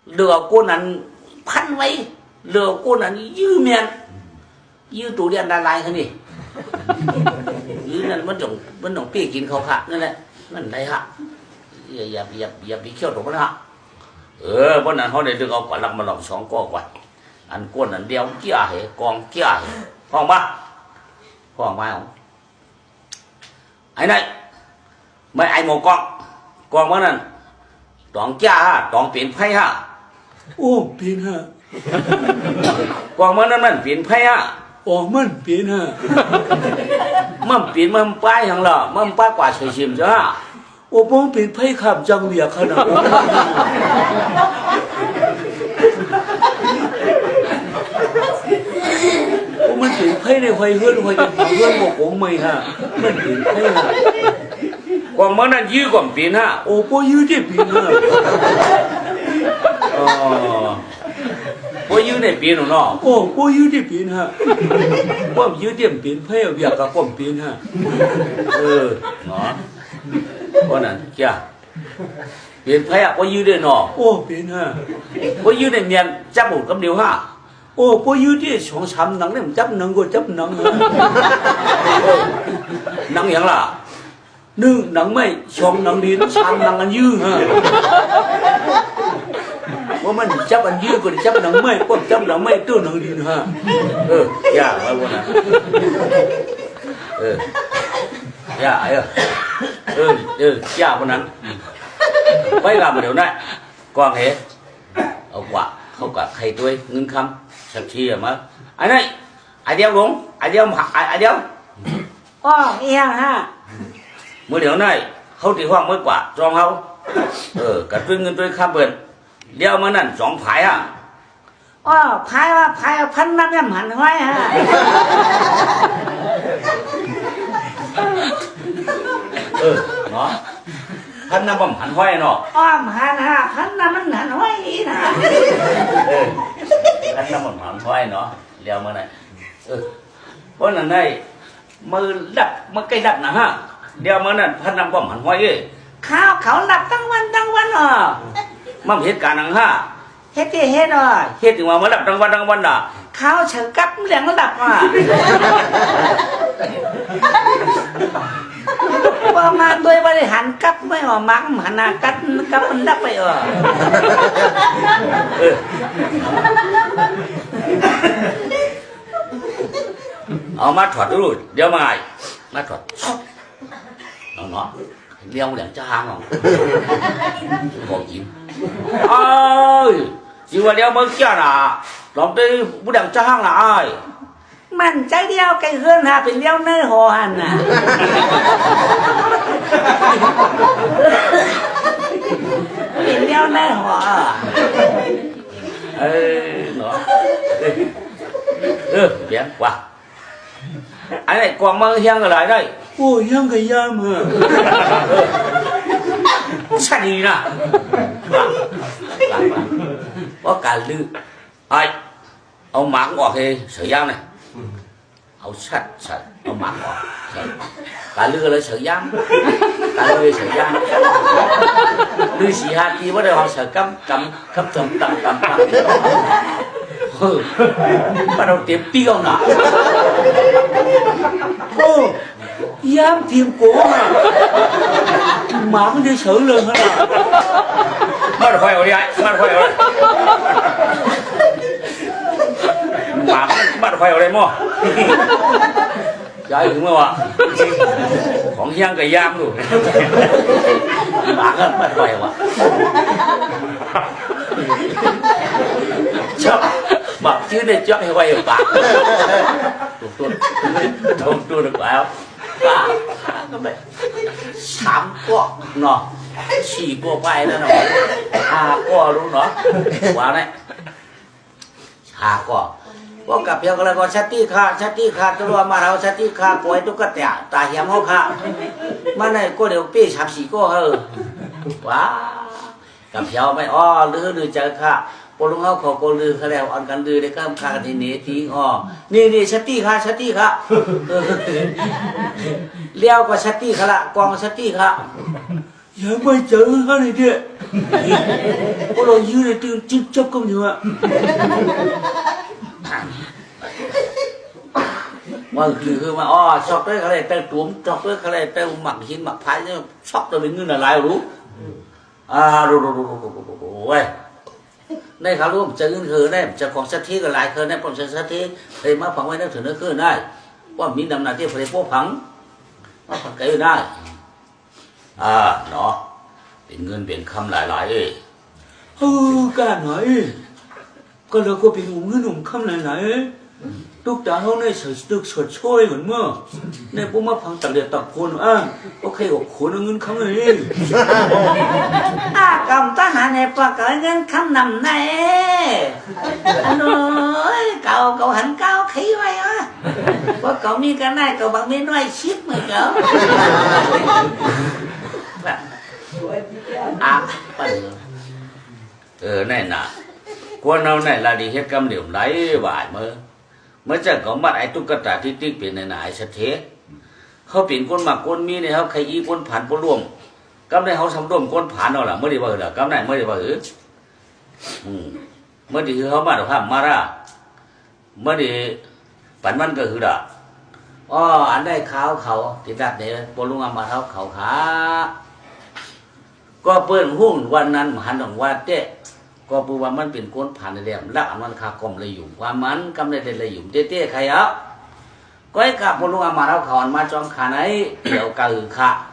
เรือกูนั้นพันไว้เรือกูนั้นยื้อเมียนยื้อตูเรียนดาลายเขานี่ยื้อนั่นมันต้องเปี้ยกินเขาค่ะนั่นแหละนั่นไรฮะอย่าไปเคี่ยวตรงนั้นฮะเพราะนั้นเขาได้ดึงเอาก่อนหลักมาหลอก2ก้อก่อนอันก้นอันเดียวเกี้ยเหกองเกี้ยเหห้องมาของไอ้นั่นไม่ไอ้หมกกองว่านั่นตองจ้าฮะตองเปลี่ยนไพ่ฮะโอ้เปลี่ยนฮะกองว่านั่นมันเปลี่ยนไพ่ฮะอ๋อมันเปลี่ยนฮะมันเปลี่ยนมันป้ายอย่างละมันป้ายกว่าเฉยชิมจ้าโอ้ผมเปลี่ยนไพ่ขับจังเลียขนาดมันเปลี่ยนไพ่ในไฟเฮือนบอกผมไม่ฮะมันเปลี่ยนไพ่ฮะกองมันนั่นยื้อกว่าเปลี่ยนฮะโอ้พอยื้อได้เปลี่ยนฮะพอยื้อได้เปลี่ยนเนาะโอ้พอยื้อได้เปลี่ยนฮะว่ายื้อเต็มเปลี่ยนไพ่อยากกับผมเปลี่ยนฮะเนาะเพราะนั้นจ้าเปลี่ยนไพ่พอยื้อได้เนาะโอ้เปลี่ยนฮะพอยื้อได้เมียนจับหมดกับเดียวฮะโอ้พอยื้อที่2-3หนังเนี่ยมันจับหนังก็จับหนังหนังอย่างล่ะ 1หนังไม่2หนังดิน3หนังอันยื้อฮะว่ามันจับอันยื้อก็จับหนังไม่ก็จับหนังไม่ตัวหนังดินฮะยากไว้วันนั้นยากยากวันนั้นไปกับมาเดี๋ยวนั้นกองเหเอากว่าเขากับใครตัวเงินคำสักทีมาไอ้นี่ไอเดียวหลงไอเดียวหักไอเดียวอ๋อเอียงฮะเมื่อเดี๋ยวนั้นเขาตีห้องไม่กว่าจองเขากับตัวเงินตัวคำเปิดเดียวมานั่น2ผายฮะอ๋อผายว่าผายพันน้ำยำหันไว้ฮะเนาะพันน้ำบ่มหันห้อยเนาะอ๋อหันฮะพันน้ำมันหันห้อยนี่นะพันน้ำบ่มหันห้อยเนาะเลี้ยวมาไหนเพราะนั่นได้มือดับมือใกล้ดับนะฮะเดี๋ยวมานั่นพันน้ำบ่มหันห้อยข้าวเขาดับตั้งวันมันเหตุการณ์นังฮะเฮ็ดที่เฮ็ดอ่ะเฮ็ดถึงว่ามาดับตั้งวันน่ะข้าวเฉยกับเหลืองระดับอ่ะว่ามาโดยบริหารกับไม่ออกมักหันหน้ากับมันดับไปเอามาถอดดูเดี๋ยวมาถอดเนาะเลี้ยวเหลืองจะหางของจริงสิว่าเดี๋ยวมึงเจ้าน่ะลองได้ผู้เหลืองจะหางน่ะมันใจเดียวไก่เฮือนหาเป็นเลี้ยวเนื้อหอหันน่ะเป็นเลี้ยวเนื้อหอเนาะเปลี่ยนกว่าอันนี้กวางมาเฮียงอะไรได้โอ้เฮียงกับยามฮะใช่ดีนะว่าการลือเอาหมากออกให้เสือยางnàyเอาชัดเอาหมากออกการลือเลยเสือยางการลือเสือยางลือสีหาทีว่าได้họเสือกำbắt đầu tiêm tiêu nè dám tiêm cổ mà đi xử lương hết à bắt khoai vào đi anh bắt khoai vào đây bắt khoai vào đây mua trái đúng không ạของย่างกับย่างดูหมาก็bắt khoai vào chọc mặc chứ để chọn hay quay ở bạc tôi được bảo bạc các bạn sám cọ nó chỉ cọ vai đó nó cọ luôn đó quá này cọ có cặp nhau cái là con sát tí kha tôi mà đâu sát tí kha của tôi cắt tẻ tà hiểm hốc kha mà này cô đều pi sắm xì cô hơ quá cặp nhau mày lứa chơi khaพอลุงเขาขอโกลือเขาแล้วอันกันลือได้ข้ามคาทีนี้ทิ้งนี่ชัตตี้ค่ะเลี้ยวก็ชัตตี้ค่ะละกองชัตตี้ค่ะอย่าไม่เจอฮะนี่เด้พวกเรายืนในตื่นจิ๊บจับกันอยู่อะว่าคือมาอ๋อช็อกเลยอะไรแต่ตุ้มช็อกเลยอะไรแต่หมักหินหมักพายเนี่ยช็อกตัวเป็นเงินอะไรรู้รู้เว้ยในข่าวรู้จะเงินคือได้จะของสักทีก็หลายคือได้ผลสักทีเคยมาฝังไว้นักถือนักคือได้ว่ามีดำหน้าที่ผลิตพวกผังมาผังไก่ได้เนาะเป็นเงินเป็นคำหลายๆการไหนก็เราก็เป็นเงินคำไหนทุกตาเขาในใส่ตึกสดช่วยเหมือนเมื่อในพวกมาพังตักเดียดตักคนโอเคกับคนเงินคำไหนกำทหารในปากเงินคำนำในอันนู้นเก่าหันเก่าขี้ไว้ว่าเก่ามีกันได้เก่าบางมีน้อยชิดเหมือนเก่าปั่นนี่น่ะกวนเอาไหนละดีเฮ็ดกำเหลี่ยมไหลหวายเมื่อจะของบัดไอ้ตุ๊กตาที่ติ๊กเป็นไหนสะเทเขาเปลี่ยนคนหมักคนมีเนี่ยเขาใครอีคนผ่านคนร่วมกำได้เขาทำร่วมคนผ่านเอาล่ะเมื่อดีว่าเหรอกำได้เมื่อดีว่าเมื่อดีคือเขามาดอกภาพมาละเมื่อดีปันมันก็คือด่าอันได้เขาติดดัดเนี่ยปลุงอามาเขาขาก็เปิ้นหุ้นวันนั้นหันของว่าเจ๊ก็ปูว่ามันเป็นคนผ่านในเรื่องละอันมันคากลมเลยอยู่ความมันกำได้เลยอยู่เจ๊ใครอ่ะก็ไอ้กับปลุงอามาเขาอันมาจอมขาไหนเดี๋ยวกะค่ะ